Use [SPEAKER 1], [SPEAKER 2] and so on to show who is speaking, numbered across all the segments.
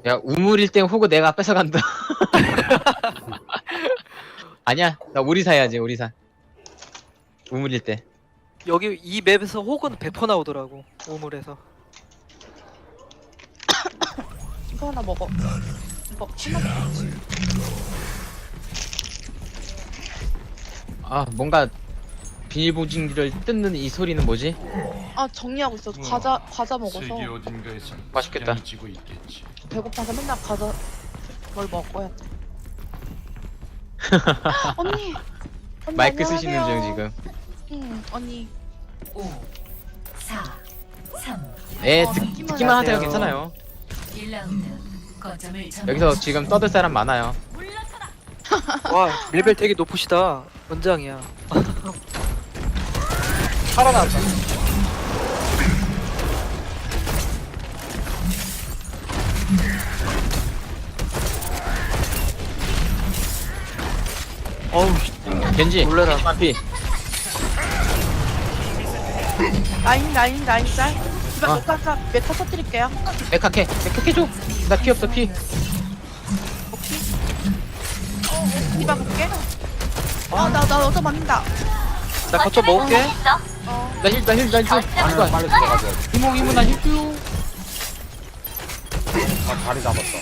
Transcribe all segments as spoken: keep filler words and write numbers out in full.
[SPEAKER 1] 야, 우물일 땐 호구 내가 뺏어간다. 아니야, 나 오리사 해야지, 오리사. 우물일 때.
[SPEAKER 2] 여기 이 맵에서 혹은 백 퍼센트 나오더라고. 우물에서.
[SPEAKER 3] 이거 하나 먹어. 이거 하나
[SPEAKER 1] 아, 뭔가 비닐봉지를 뜯는 이 소리는 뭐지?
[SPEAKER 3] 아 정리하고 있어. 과자 과자 먹어서
[SPEAKER 4] 세계 어딘가에서
[SPEAKER 1] 맛있겠다.
[SPEAKER 4] 양이 지고 있겠지.
[SPEAKER 3] 배고파서 맨날 과자 뭘 먹어야 돼. 언니. 언니
[SPEAKER 1] 마이크 쓰시는 중
[SPEAKER 3] 안녕하세요.
[SPEAKER 1] 지금.
[SPEAKER 3] 응 언니.
[SPEAKER 5] 오, 사, 삼,
[SPEAKER 1] 에,
[SPEAKER 3] 어,
[SPEAKER 1] 듣,
[SPEAKER 3] 듣기만
[SPEAKER 1] 듣기만 하세요.
[SPEAKER 2] 하세요.
[SPEAKER 1] 괜찮아요.
[SPEAKER 5] 일 라운드. 거점을 점령.
[SPEAKER 1] 여기서 지금 떠들 사람 많아요.
[SPEAKER 2] 와 레벨 되게 높으시다. 원장이야.
[SPEAKER 6] 살아났다.
[SPEAKER 2] 어우 씨,
[SPEAKER 1] 겐지,
[SPEAKER 2] 놀래라.
[SPEAKER 1] 만피.
[SPEAKER 3] 라인 라인 라인 짤. 디바
[SPEAKER 1] 아.
[SPEAKER 3] 메카 메카 터뜨릴게요.
[SPEAKER 1] 메카케, 메카케 줘. 나 피 없어, 피.
[SPEAKER 3] 디바 볼게. 아나나 어서 맞는다.
[SPEAKER 2] 나 거점 먹을게.
[SPEAKER 3] 어.
[SPEAKER 1] 나 힐, 나 힐, 나 힐.
[SPEAKER 6] 아니,
[SPEAKER 1] 이거
[SPEAKER 6] 빨리 들어가자.
[SPEAKER 1] 이모, 이모, 나 힐 줘.
[SPEAKER 6] 아, 다리 잡았어.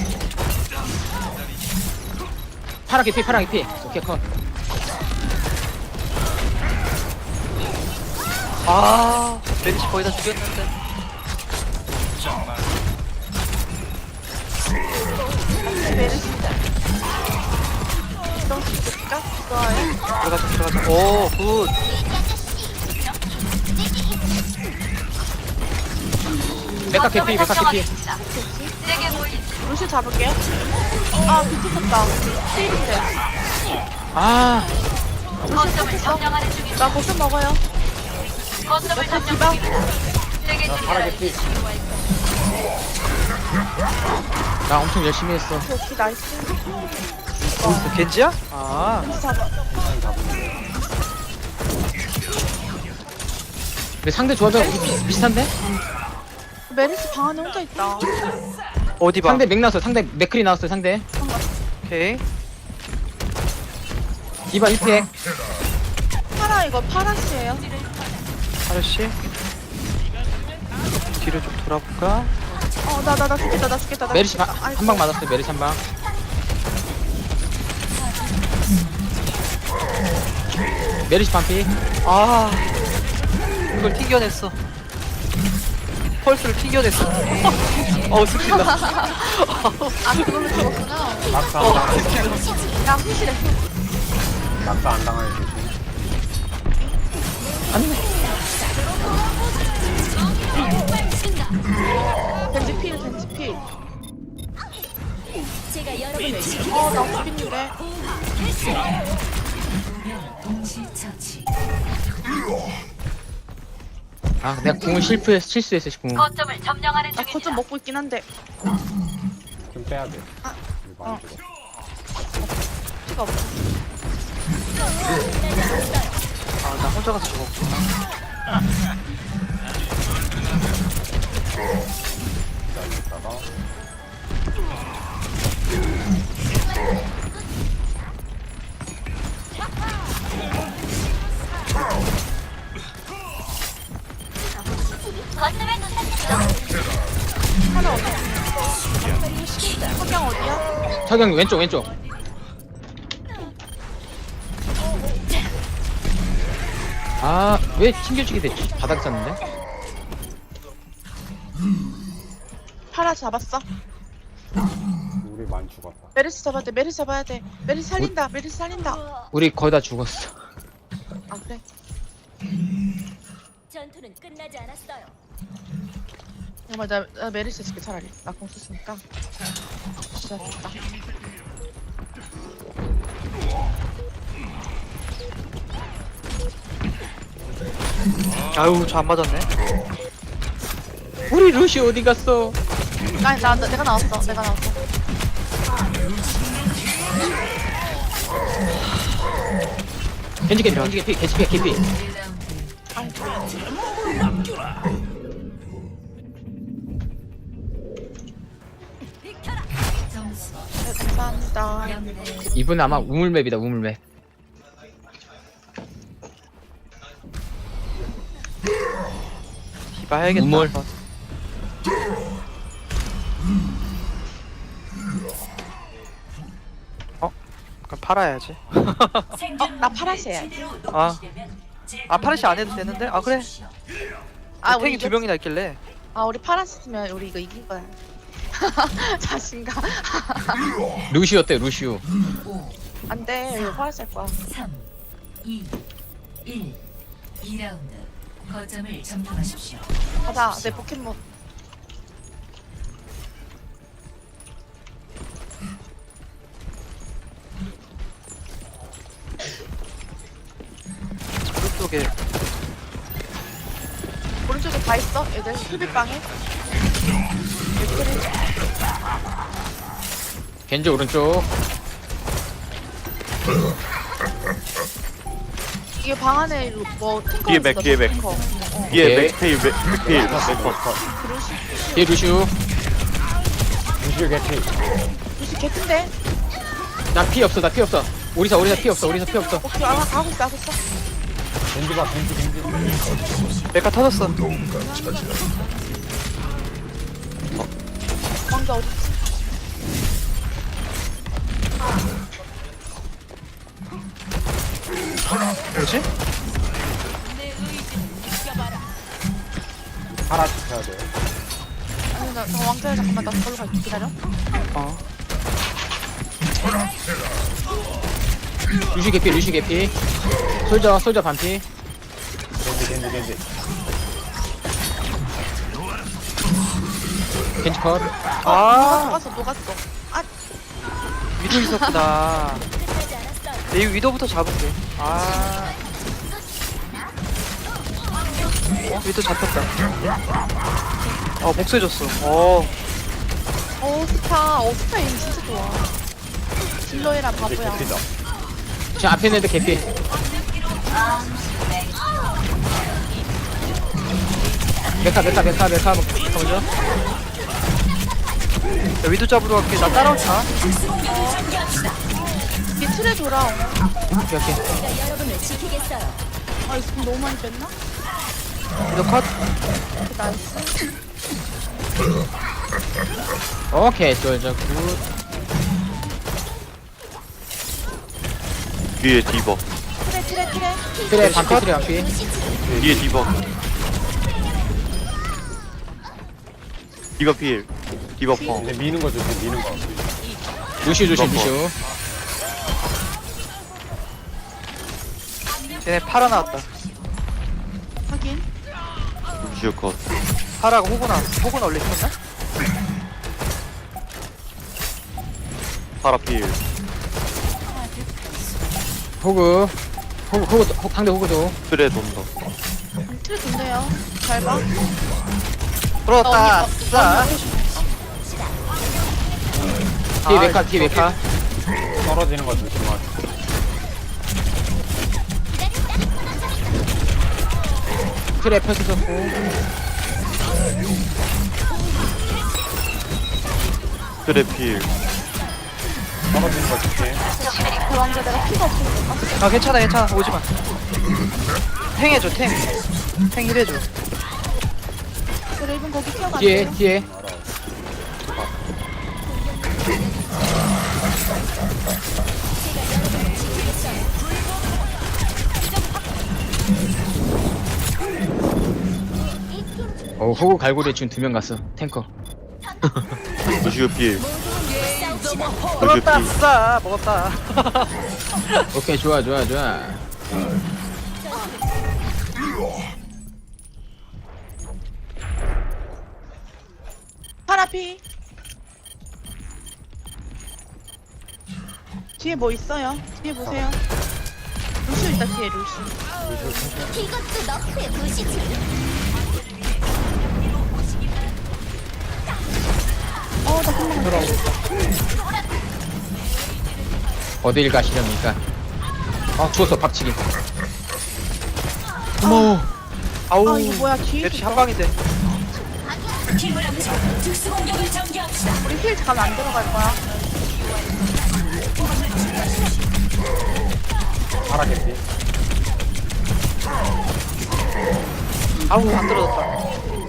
[SPEAKER 1] 파랗게 피, 파랗게 피. 오케이, 컷.
[SPEAKER 2] 아 메리시 거의 다 죽였는데.
[SPEAKER 3] 메르시. 이럴 수 있을까? 좋아요.
[SPEAKER 2] 들어가자 들어가자. 오 굿.
[SPEAKER 1] 메카케 피, 메카케 피.
[SPEAKER 3] 루시 잡을게. 아 비트쳤다. 스테이인데.
[SPEAKER 1] 아,
[SPEAKER 3] 거점을 점령하는 중이다. 나 거점 먹어요. 거점을 디바.
[SPEAKER 6] 파랗게 피.
[SPEAKER 1] 나 엄청 열심히 했어.
[SPEAKER 3] 오케이 나이스.
[SPEAKER 2] 어, 겐지야? 아
[SPEAKER 3] 루시 잡아.
[SPEAKER 1] 근데 상대 조합이랑 우리 비, 비슷한데?
[SPEAKER 3] 메르시 방 안에 혼자 있다.
[SPEAKER 2] 어디 봐.
[SPEAKER 1] 상대 맥 나왔어. 상대 맥클이 나왔어. 상대.
[SPEAKER 2] 오케이.
[SPEAKER 1] 디바 일 팩.
[SPEAKER 3] 파라 이거 파라시예요.
[SPEAKER 2] 하르씨. 뒤로 좀 돌아볼까?
[SPEAKER 3] 어 나 나 나 죽겠다 나 죽겠다. 나
[SPEAKER 1] 메르시
[SPEAKER 3] 죽겠다.
[SPEAKER 1] 한 방 맞았어요. 메르시 한 방. 메르시 반피.
[SPEAKER 2] 아 그걸 튕겨냈어. 펄스를 튕겨냈어. 어우 스킨다.
[SPEAKER 3] 아 그걸로 죽었구나.
[SPEAKER 6] 낙사
[SPEAKER 2] 어.
[SPEAKER 6] 안 당하게.
[SPEAKER 3] 야 후실해.
[SPEAKER 6] 낙사 안 당하게 조심.
[SPEAKER 3] 벤지 필 벤지 필. 어나 죽겠는데.
[SPEAKER 5] 치처치.
[SPEAKER 1] 아, 내가 궁을 실패했 실수했어. 궁.
[SPEAKER 5] 거점을 점령하는
[SPEAKER 3] 나 거점 먹고 있긴 한데
[SPEAKER 6] 좀 빼야 돼.
[SPEAKER 3] 아,
[SPEAKER 6] 이거
[SPEAKER 3] 어.
[SPEAKER 6] 안 죽어.
[SPEAKER 3] 피가 없어.
[SPEAKER 2] 아 나 혼자 가서 죽었구나.
[SPEAKER 6] 기다리다가.
[SPEAKER 3] 하나 어디? 석양 어디야?
[SPEAKER 1] 석영 왼쪽 왼쪽. 아, 왜 튕겨지게 됐지? 바닥 쌌는데?
[SPEAKER 3] 파라 잡았어.
[SPEAKER 6] 우리 많이 죽었다.
[SPEAKER 3] 메르시 잡아야 돼. 메르시 잡아야 돼. 메르시 살린다. 메르시 살린다.
[SPEAKER 1] 우리 거의 다 죽었어.
[SPEAKER 3] 아 그래.
[SPEAKER 5] 전투는 끝나지 않았어요.
[SPEAKER 3] 정말 나, 나 메르시 해줄게 차라리. 나 공 썼으니까. 진짜 좋다.
[SPEAKER 2] 아유 저 안 맞았네.
[SPEAKER 1] 우리 루시 어디 갔어?
[SPEAKER 3] 아니 나, 나 내가 나왔어. 내가 나왔어.
[SPEAKER 1] 겐지 개피, 겐지 개피, 겐지 개피, 개피.
[SPEAKER 3] 네, 감사합니다.
[SPEAKER 1] 이분 아마 우물맵이다 우물맵.
[SPEAKER 2] 디바 해야겠다.
[SPEAKER 1] 우물.
[SPEAKER 2] 한번. 어? 그럼 팔아야지.
[SPEAKER 3] 어, 나 파라시 해야지.
[SPEAKER 2] 아, 아 파르시 안 해도 되는데? 아 그래.
[SPEAKER 3] 아, 우리
[SPEAKER 2] 탱이 두
[SPEAKER 3] 이겼-
[SPEAKER 2] 명이나 있길래.
[SPEAKER 3] 아, 우리 파라시 쓰면 우리 이거 이긴 거야. 자신감.
[SPEAKER 1] 루시오 어때 루시오?
[SPEAKER 3] 안 돼. 이거 파라시 할 거야.
[SPEAKER 5] 삼, 이, 일. 이 라운드 거점을 점령하십시오.
[SPEAKER 3] 가자. 내 포켓몬.
[SPEAKER 2] 오른쪽에
[SPEAKER 3] 오른쪽에 다 있어. 애들 수비방에. 애들이
[SPEAKER 1] 겐지 오른쪽.
[SPEAKER 3] 이게 방 안에 뭐 탱커
[SPEAKER 4] 뒤에 맥,
[SPEAKER 3] 있어,
[SPEAKER 4] 뒤에 맥.
[SPEAKER 3] 탱커. 어.
[SPEAKER 4] 뒤에
[SPEAKER 1] 오케이.
[SPEAKER 4] 맥테일 맥- 맥테일 맥컷
[SPEAKER 1] 뒤에 루시오.
[SPEAKER 6] 루시오 개피.
[SPEAKER 3] 루시 개큰데?
[SPEAKER 1] 나 피 없어 나 피 없어. 오리사 오리사 피 없어 오리사 피 없어.
[SPEAKER 3] 오케이. 아, 가고 있어, 가고 있어.
[SPEAKER 6] 겐지 봐 겐지 겐지.
[SPEAKER 2] 메카 터졌어.
[SPEAKER 3] 왕자 어디 있지?
[SPEAKER 2] 뭐지?
[SPEAKER 6] 파라 지켜야 돼.
[SPEAKER 3] 아니, 나, 나 왕자야. 잠깐만. 나 저걸로 갈게. 기다려.
[SPEAKER 2] 어.
[SPEAKER 1] 루시 개피 루시 개피. 솔저 솔저 반피.
[SPEAKER 6] 겐지 겐지 겐지.
[SPEAKER 1] 겐지 컷.
[SPEAKER 2] 아
[SPEAKER 3] 녹았어, 녹았어. 아,
[SPEAKER 2] 위도 있었구나. 이 위도부터 잡을게. 아. 어, 위도 잡혔다. 어, 복수해줬어. 어,
[SPEAKER 3] 어, 스타. 어, 스타 임 진짜 좋아. 딜러이라
[SPEAKER 6] 겐지
[SPEAKER 3] 바보야.
[SPEAKER 6] 개피다.
[SPEAKER 1] 저 앞에 있는 애들 개피. 메카 메카 메카 메카 먼저.
[SPEAKER 2] 야, 위도 잡으러 갈게. 나 따라오자.
[SPEAKER 3] 이게 틀에 돌아.
[SPEAKER 1] 오케이 오케이.
[SPEAKER 5] 여러분을 지키겠어요.
[SPEAKER 3] 아, 이거 너무 많이 뺐나?
[SPEAKER 2] 위도 컷.
[SPEAKER 3] 오케이, 나이스.
[SPEAKER 1] 오케이 솔저 굿.
[SPEAKER 4] 뒤에 디버
[SPEAKER 3] 틀에, 틀에, 틀에.
[SPEAKER 1] 그래 반피 그래 반피.
[SPEAKER 4] 뒤에 디버 디버 필 디버 펑
[SPEAKER 6] 이제 미는 거 조심 미는 거.
[SPEAKER 1] 루시오 조심
[SPEAKER 4] 넘버.
[SPEAKER 1] 루시오.
[SPEAKER 2] 쟤네 팔아 나왔다.
[SPEAKER 3] 확인.
[SPEAKER 4] 루시오 컷
[SPEAKER 2] 파라가 호구 나왔어. 호구는 원래 있었나?
[SPEAKER 4] 파라 필
[SPEAKER 1] 호그 호그 호그 호- 상대 호그도.
[SPEAKER 4] 트레 돈다
[SPEAKER 3] 음, 틀에 돈대요. 잘 봐.
[SPEAKER 2] 들어왔다.
[SPEAKER 3] 어,
[SPEAKER 2] 싸.
[SPEAKER 1] 뒤에
[SPEAKER 2] 아,
[SPEAKER 1] 메카 뒤에 메카.
[SPEAKER 6] 떨어지는 거 조심하.
[SPEAKER 1] 트랩 펴서 썼고.
[SPEAKER 4] 트레 필
[SPEAKER 6] 떨어지는 거 조심.
[SPEAKER 3] 그 왕자 내가 피가 없으니까.
[SPEAKER 2] 아, 괜찮아, 괜찮아. 오지 마. 탱 해줘, 탱. 탱 힐해줘.
[SPEAKER 3] 그 레이븐 거기 튀어가야
[SPEAKER 1] 뒤에
[SPEAKER 3] 돼요.
[SPEAKER 1] 뒤에. 어 호그 갈고리에 지금 두 명 갔어 탱커.
[SPEAKER 4] 루시오 필 루시오
[SPEAKER 2] 들어왔다.
[SPEAKER 4] 필
[SPEAKER 2] 싸. 먹었다.
[SPEAKER 1] 오케이 좋아 좋아 좋아.
[SPEAKER 3] 파라피. 뒤에 뭐 있어요? 뒤에 보세요. 루시 있다 뒤에 루시.
[SPEAKER 5] 이것도 너프의 무시지.
[SPEAKER 3] 어, 나 금방 들어오고.
[SPEAKER 1] 어딜 가시렵니까? 아 죽었어 박치기. 어머.
[SPEAKER 2] 아우.
[SPEAKER 3] 아, 이거 뭐야 뒤에
[SPEAKER 2] 맵시
[SPEAKER 3] 있어.
[SPEAKER 2] 한 방인데.
[SPEAKER 5] 힘을 합쳐 특수 공격을 전개합시다.
[SPEAKER 3] 우리 힐 가면 안 들어갈 거야.
[SPEAKER 6] 파라 개피.
[SPEAKER 2] 아우 안 떨어졌다.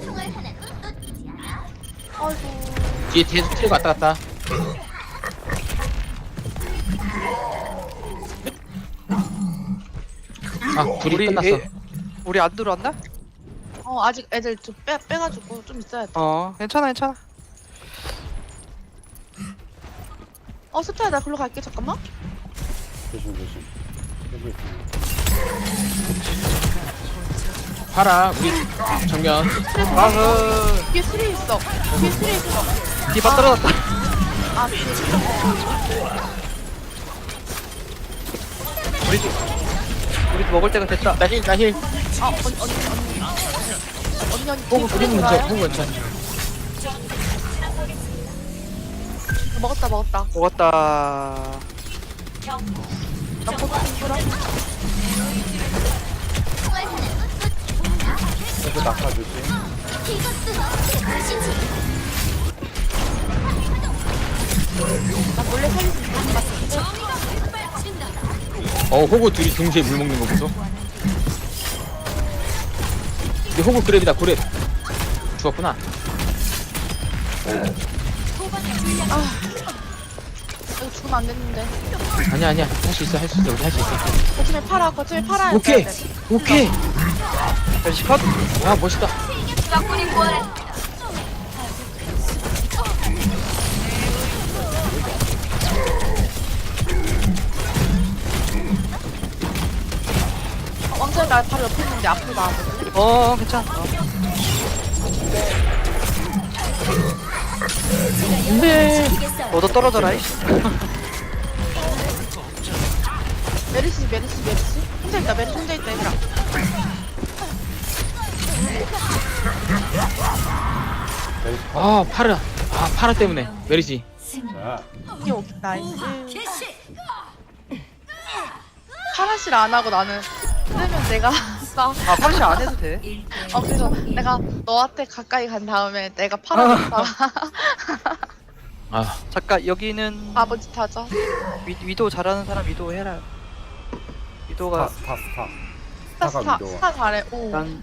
[SPEAKER 3] 아이고.
[SPEAKER 1] 뒤에 계속 트레 왔다 갔다. 아 둘이
[SPEAKER 2] 우리
[SPEAKER 1] 끝났어.
[SPEAKER 2] 애- 우리 안 들어왔나?
[SPEAKER 3] 어 아직 애들 좀 빼, 빼가지고 좀 있어야 돼.
[SPEAKER 2] 어 괜찮아 괜찮아.
[SPEAKER 3] 어 스타야 나 글로 갈게 잠깐만.
[SPEAKER 6] 조심 조심. 여기 있습니다.
[SPEAKER 1] 파라 우리 정면.
[SPEAKER 2] 아그
[SPEAKER 3] 뒤에 트레 있어. 뒤에 트레 있어.
[SPEAKER 2] 디바 떨어졌다.
[SPEAKER 3] 아 뒤에 트레.
[SPEAKER 2] 우리도 우리도 먹을 때가 됐다.
[SPEAKER 1] 나 힐, 나 힐.
[SPEAKER 3] 아 언니 언니 언니. 언니 언니
[SPEAKER 1] 호구
[SPEAKER 3] 뒤에
[SPEAKER 1] 그림
[SPEAKER 3] 트레
[SPEAKER 1] 문제,
[SPEAKER 3] 좋아요?
[SPEAKER 1] 호구 문제.
[SPEAKER 3] 먹었다 먹었다.
[SPEAKER 2] 먹었다.
[SPEAKER 3] 나 고기 좀 끌어.
[SPEAKER 6] 이거 낙하 조심.
[SPEAKER 3] 나 몰래 살릴 수 있는 것 같은데.
[SPEAKER 1] 어 호구 둘이 동시에 물 먹는 거 보소. 근데 호구 그랩이다 그랩. 죽었구나.
[SPEAKER 3] 이거 죽으면 안 됐는데.
[SPEAKER 1] 아니야 아니야 할 수 있어 할 수 있어 우리 할 수 있어.
[SPEAKER 3] 거침에 팔아 거침에 팔아.
[SPEAKER 1] 오케이 오케이.
[SPEAKER 2] 멜시 컷.
[SPEAKER 1] 와 멋있다.
[SPEAKER 3] 어, 왕자님 나 바로 옆에 있는데 앞으로 나와보자.
[SPEAKER 2] 어 괜찮아. 어.
[SPEAKER 1] 근데
[SPEAKER 2] 너도 떨어져라. 이씨.
[SPEAKER 3] 메리시 메리시 메리시. 혼자 있다 메리시 혼자 있다 얘들아.
[SPEAKER 1] 아 파라 아 파라 때문에 메리지.
[SPEAKER 6] 자,
[SPEAKER 3] 이게 오 나이스. 파라실 안 하고 나는 그러면 내가 나.
[SPEAKER 2] 아 파르시 안 해도 돼.
[SPEAKER 3] 어 그래서 내가 너한테 가까이 간 다음에 내가 파라니까
[SPEAKER 1] 아
[SPEAKER 2] 잠깐 여기는
[SPEAKER 3] 아버지 타죠.
[SPEAKER 2] 위, 위도 잘하는 사람 위도 해라. 위도가
[SPEAKER 6] 스타 스타
[SPEAKER 3] 스타
[SPEAKER 6] 스타. 스타가
[SPEAKER 3] 스타
[SPEAKER 6] 위도와.
[SPEAKER 3] 스타 잘해. 오.
[SPEAKER 2] 난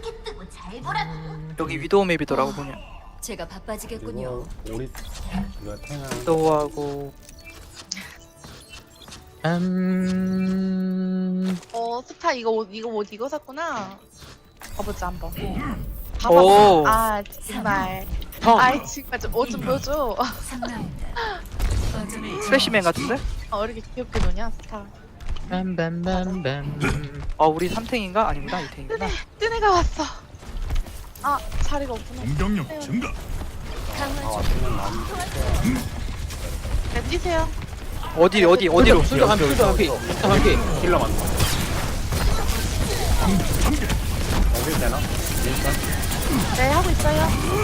[SPEAKER 2] 여기 위도우 맵이더라고 보냐.
[SPEAKER 5] 제가 바빠지겠군요.
[SPEAKER 6] 그리고 우리 이거 탱은
[SPEAKER 2] 위도우하고
[SPEAKER 1] 음.
[SPEAKER 3] 어 스타 이거 옷 이거 옷 이거 샀구나. 봐보자 한번.
[SPEAKER 2] 오.
[SPEAKER 3] 봐봐. 아 정말.
[SPEAKER 1] 형
[SPEAKER 3] 아이 정말 좀옷 좀 보여줘.
[SPEAKER 5] 삼 라운드. 거점을
[SPEAKER 2] 스페시맨 같은데?
[SPEAKER 3] 어, 왜 이렇게 귀엽게 노냐 스타.
[SPEAKER 1] 빰빰빰빰.
[SPEAKER 2] 어 우리 삼탱인가? 아니구나 이탱이구나.
[SPEAKER 3] 뜬 애가 왔어. 아 자리가 없구나.
[SPEAKER 7] 공격력 증가.
[SPEAKER 6] 아 왔으면 남.
[SPEAKER 3] 네, 뛰세요.
[SPEAKER 2] 어디 어디 어디로?
[SPEAKER 1] 술도 한 피, 술도 한 피, 술도 한 피.
[SPEAKER 6] 힐러 많다. 여기 되나? 일단
[SPEAKER 3] 네 하고 있어요.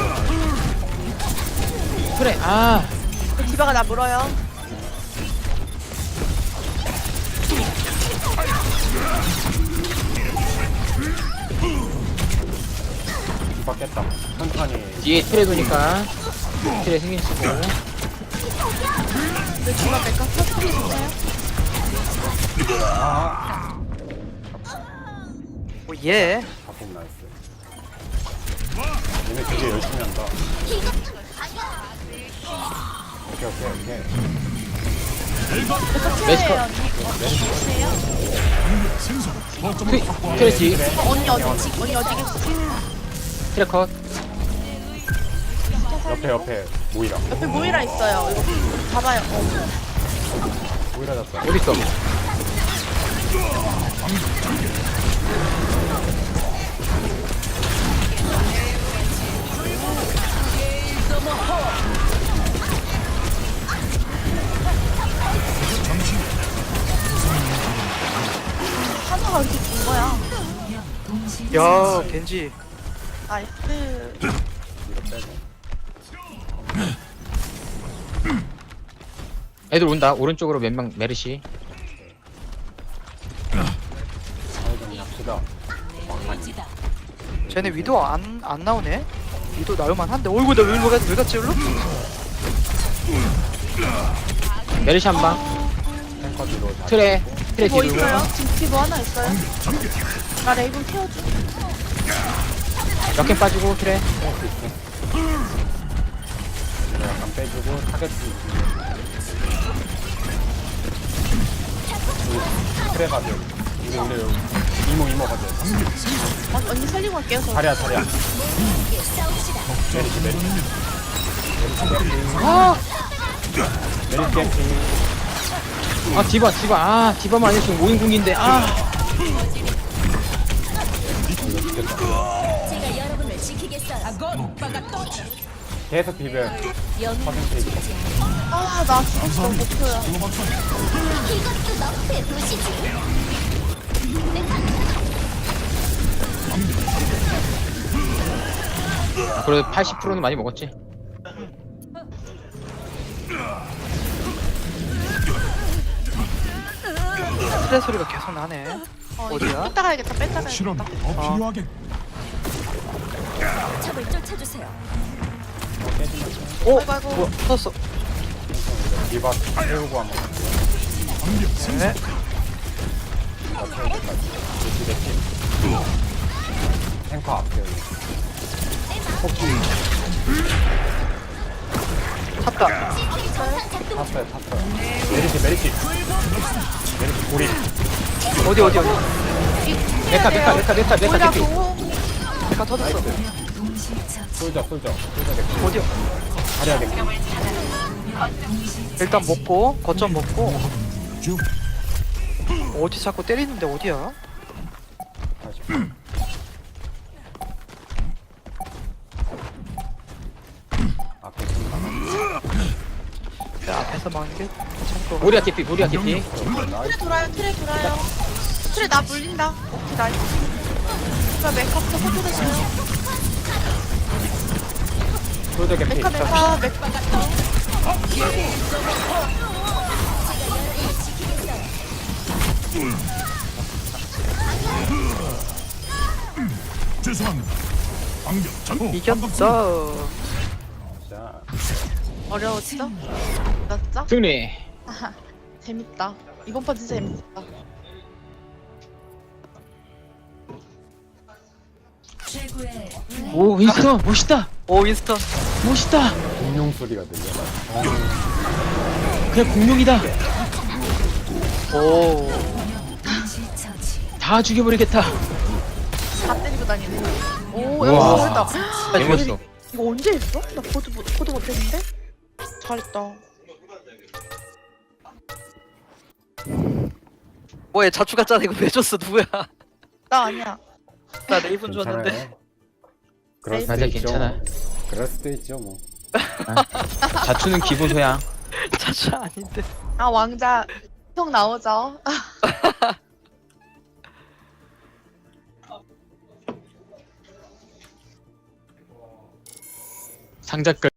[SPEAKER 1] 그래 아
[SPEAKER 3] 그 디바가 나 물어요.
[SPEAKER 6] 바뀌었다. 천천히.
[SPEAKER 1] 뒤에 트레 도니까 트레 생긴 쓰고.
[SPEAKER 3] 그 디바 메카 터트리 주세요.
[SPEAKER 6] 아,
[SPEAKER 2] 오 예.
[SPEAKER 6] 작품 나이스. 얘네 되게 열심히 한다. 오케이 오케이 오케이.
[SPEAKER 1] 메스커.
[SPEAKER 3] 언니. 어, 주세요.
[SPEAKER 1] 트레 트레 뒤
[SPEAKER 3] 어, 언니 어디 언니 어디 계시?
[SPEAKER 1] 트레 컷.
[SPEAKER 6] 옆에 옆에 모이라.
[SPEAKER 3] 옆에 모이라 있어요. 이거 잡아요. 어.
[SPEAKER 6] 모이라 잡자.
[SPEAKER 1] 어디 있어?
[SPEAKER 3] 하나가 이렇게 긴 거야.
[SPEAKER 2] 야 겐지.
[SPEAKER 3] 나이스.
[SPEAKER 6] 이거 빼고.
[SPEAKER 1] 애들 온다. 오른쪽으로 몇 명 메르시.
[SPEAKER 6] 사회전이 합시다.
[SPEAKER 2] 쟤네 위도 안 안 나오네. 위도 나올만 한데. 어이구 나왜 왜, 왜 갔지 일로?
[SPEAKER 1] 메르시 한 방.
[SPEAKER 6] 탱커 뒤로 다
[SPEAKER 1] 트레 트레
[SPEAKER 3] 뭐
[SPEAKER 1] 뒤로.
[SPEAKER 3] 있어요? 지금 뭐 하나 있어요? 나 레이븐 키워줘.
[SPEAKER 1] 역행 빠지고 트레.
[SPEAKER 6] 이거 약간 빼주고 타겟 주고. 그래 가죠. 이거 우리 여기 이모 이모 가죠.
[SPEAKER 3] 어, 언니 살리고 갈게요. 저.
[SPEAKER 6] 자리야 자리야. 메리시 메리시.
[SPEAKER 1] 아,
[SPEAKER 6] 메리시 캠핑.
[SPEAKER 1] 아 디바 디바 아 디바만 아니었으면 오 인궁인데 아.
[SPEAKER 5] 제가 여러분을 지키겠어요.
[SPEAKER 6] 계속 비벼. 퍼센테이지.
[SPEAKER 3] 아, 나 죽었어. 목표야.
[SPEAKER 5] 이것도 너의 도시지.
[SPEAKER 1] 그래도 팔십 퍼센트는 많이 먹었지.
[SPEAKER 2] 트레 소리가 계속 나네.
[SPEAKER 3] 어,
[SPEAKER 2] 어디야?
[SPEAKER 3] 이거 뺐다 가야겠다. 뺐다 가야겠다.
[SPEAKER 7] 실험 더 필요하겠.
[SPEAKER 5] 적을 쫓아주세요.
[SPEAKER 2] 오!
[SPEAKER 3] 아이고, 아이고.
[SPEAKER 2] 뭐야, 터졌어.
[SPEAKER 6] 리바 세우고 한번.
[SPEAKER 2] 네.
[SPEAKER 6] 메시 메시. 탱커 앞에 여기.
[SPEAKER 2] 찼다.
[SPEAKER 6] 탔어요 탔어요. 메리시 메리시. 메리시 고리.
[SPEAKER 2] 어디, 어디, 어디.
[SPEAKER 1] 메카 메카 메카 메카 메카
[SPEAKER 3] 뭐야,
[SPEAKER 1] 개피.
[SPEAKER 3] 그거.
[SPEAKER 2] 내가 터졌어.
[SPEAKER 6] 솔져 솔져 솔져 개.
[SPEAKER 2] 어디야?
[SPEAKER 6] 자리야 개.
[SPEAKER 2] 일단 먹고, 거점 먹고. 어디 자꾸 때리는데 어디야?
[SPEAKER 6] 다시. 앞에 좀 나가.
[SPEAKER 2] 내 앞에서 막는 게 참고.
[SPEAKER 1] 모리아 개피 모리아 개피.
[SPEAKER 3] 트레 돌아요. 트레 돌아요. 트레 나 물린다. 오케이, 나이스. 이거 메카부터 컨트롤했어요.
[SPEAKER 6] 솔져 개피.
[SPEAKER 3] 메카, 메카, 메카.
[SPEAKER 7] 죄송합니다. 방금 전
[SPEAKER 2] 이겼어.
[SPEAKER 6] 자.
[SPEAKER 3] 어려웠죠? 맞죠?
[SPEAKER 1] 승리.
[SPEAKER 3] 아하, 재밌다. 이번 판 진짜 재밌었다.
[SPEAKER 5] 최고의
[SPEAKER 1] 오 윈스턴 멋있다
[SPEAKER 2] 오, 윈스턴.
[SPEAKER 1] 멋있다.
[SPEAKER 6] 공룡 소리가 들려.
[SPEAKER 1] 그냥 공룡이다.
[SPEAKER 2] 오.
[SPEAKER 5] 지처지.
[SPEAKER 1] 다 죽여버리겠다.
[SPEAKER 3] 다 때리고 다니네. 오,
[SPEAKER 1] 우와.
[SPEAKER 3] 야, 잘했다.
[SPEAKER 1] 개멋있어.
[SPEAKER 3] 이거 언제 했어? 나 보도, 못- 보도 못했는데? 잘했다.
[SPEAKER 2] 뭐야, 자추 갔잖아. 이거 왜 줬어? 누구야?
[SPEAKER 3] 나 아니야.
[SPEAKER 2] 나 레이븐 줬는데.
[SPEAKER 6] 괜찮아요. 그럴 수도
[SPEAKER 1] 맞아
[SPEAKER 6] 있죠.
[SPEAKER 1] 괜찮아.
[SPEAKER 6] 그럴 수도 있죠 뭐.
[SPEAKER 1] 자투는 기본 소양.
[SPEAKER 2] 자추 아닌데.
[SPEAKER 3] 아, 왕자. 형 나오죠?
[SPEAKER 1] 상자끝.